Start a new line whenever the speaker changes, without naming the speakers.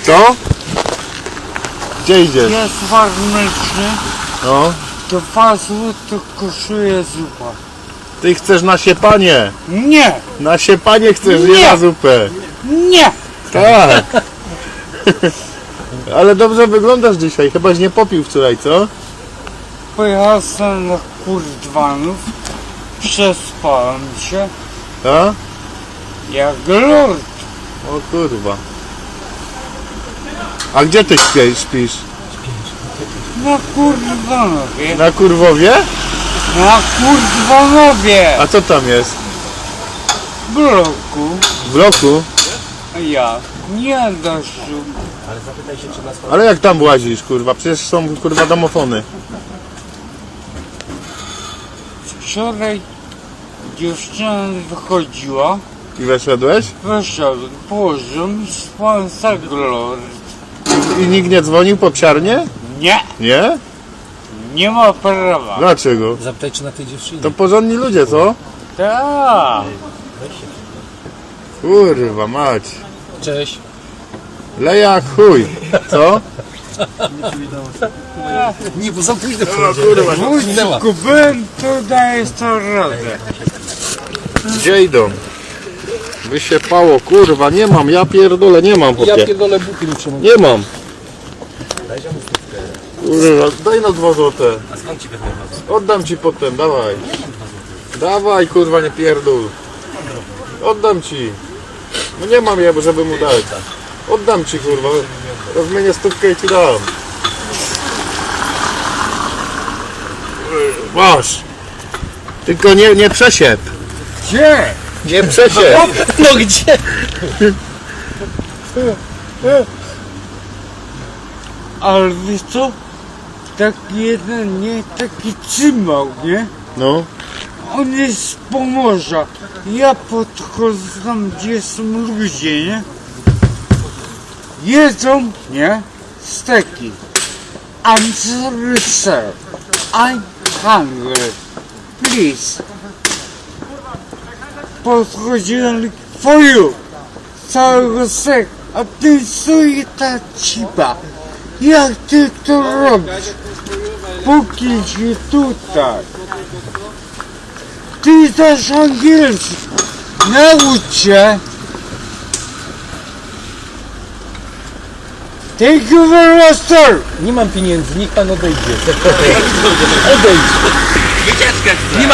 Co? Gdzie idziesz?
Jest warmyczny,
No.
2 zł kosztuje zupa.
Ty chcesz na siepanie.
Nie!
Na siepanie chcesz, nie
Nie.
na zupę.
Nie!
Tak. Ale dobrze wyglądasz dzisiaj. Chybaś nie popił wczoraj, co?
Pojechałem na kurdwanów, przespałem się
A?
jak lord.
O kurwa. A gdzie ty śpisz?
Na kurdwanowie.
Na Kurwowie?
Na kurdwanowie!
A co tam jest?
W bloku.
W bloku?
Ja. Nie deszczu.
Ale jak tam łazisz, kurwa? Przecież są, kurwa, domofony.
Wczoraj dziewczyna wychodziła.
I weszedłeś?
Wyszedłem, położyłem, spałem za lord.
I nikt nie dzwonił po psiarnie?
Nie!
Nie?
Nie ma prawa.
Dlaczego?
Zapytaj, czy na tej dziewczynie.
To porządni ludzie, co?
Tak.
Kurwa mać.
Cześć.
Leja jak chuj. Co?
Nie, bo za późno
Kurwa.
minęła.
Kupiłem, to daję 100 razy.
Gdzie idą? Wysiepało, kurwa, nie mam, ja pierdolę, nie mam,
Ja
popie.
pierdolę buty mi przemówię.
Nie mam. Kurwa, daj na 2 złote.
A skąd ci będę
Oddam ci potem, dawaj. Dawaj, kurwa, nie pierdol. Oddam ci. No nie mam ja, żeby mu dać. Oddam ci, kurwa. Rozmienię 100 i ci dam. Masz. Tylko nie przesiep.
Gdzie?
Nie przesiep.
No gdzie?
Ale wiesz co? Taki jeden, nie? Taki cymał, nie?
No.
On jest z Pomorza. Ja podchodzę tam, gdzie są ludzie, nie? Jedzą, nie? Steki. I'm sorry, sir. I'm hungry. Please. Podchodziłem for you. Całego sek. A ty sobie ta cipa. Jak ty to robisz? Póki ci tutaj. Ty też angielski. Naucz się. Thank you very much, sir.
Nie mam pieniędzy, niech pan odejdzie. Odejdź.